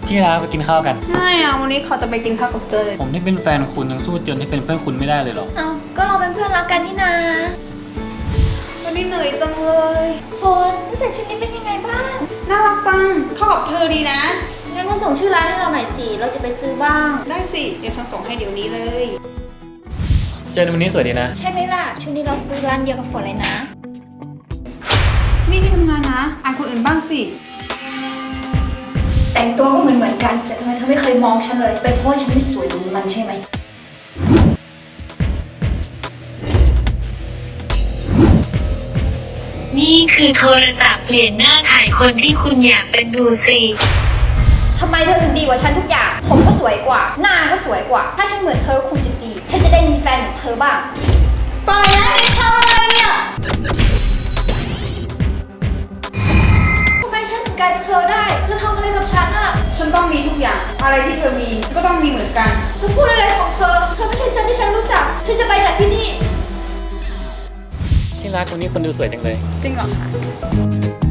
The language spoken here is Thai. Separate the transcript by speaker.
Speaker 1: ที่รักไปกินข้าวกัน
Speaker 2: ไม่อะวันนี้เขาจะไปกินข้าวกับเจย
Speaker 1: ผมที่เป็นแฟนคุณยังสู้เจนที่เป็นเพื่อนคุณไม่ได้เลยหรอ
Speaker 3: เอาก็เราเป็นเพื่อนรักกันนี่นา
Speaker 2: วันนี้เหนื่อยจังเลย
Speaker 3: โฟนรู้สึกชุดนี้เป็นยังไงบ้าง
Speaker 2: น่ารักจังเข้ากับเธอดีนะ
Speaker 3: งั้นก็ส่งชื่อร้านให้เราหน่อยสิ เราจะไปซื้อบ้าง
Speaker 2: ได้สิเดี๋ยวฉันส่งให้เดี๋ยวนี้เลย
Speaker 1: เจนวันนี้สวยดีนะ
Speaker 3: ใช่ไหมล่ะ ชุดนี้เราซื้อร้านเดียวกับฝนเลยนะ
Speaker 2: นี่ที่ทำงานนะอายคนอื่นบ้างสิ
Speaker 3: แต่งตัวก็เหมือนกัน แต่ทำไมเธอไม่เคยมองฉันเลย เป็นเพราะฉันไม่สวยเหมือนมันใช่ไหม
Speaker 4: นี่คือโทรศัพท์เปลี่ยนหน้าถ่ายคนที่คุณอยากเป็นดูสิ
Speaker 3: ทำไมเธอถึงดีกว่าฉันทุกอย่าง ผมก็สวยกว่า หน้าก็สวยกว่า ถ้าฉันเหมือนเธอคงจะดี ฉันจะได้มีแฟนเหมือนเธอบ้าง
Speaker 2: ปล่อยนะเด็กทำอะไรเนี่ย
Speaker 3: ทำไมฉันถึงกลายเป็นเธอได้ เธอทำอะไรกับฉันอะ
Speaker 2: ฉันต้องมีทุกอย่าง อะไรที่เธอมีก็ต้องมีเหมือนกัน
Speaker 3: เธอพูดอะไรของเธอ เธอไม่ใช่เจนที่ฉันรู้จัก ฉันจะไปจากที่นี่
Speaker 1: ที่รักวันนี้คนดูสวยจังเลย
Speaker 2: จริงเหรอคะ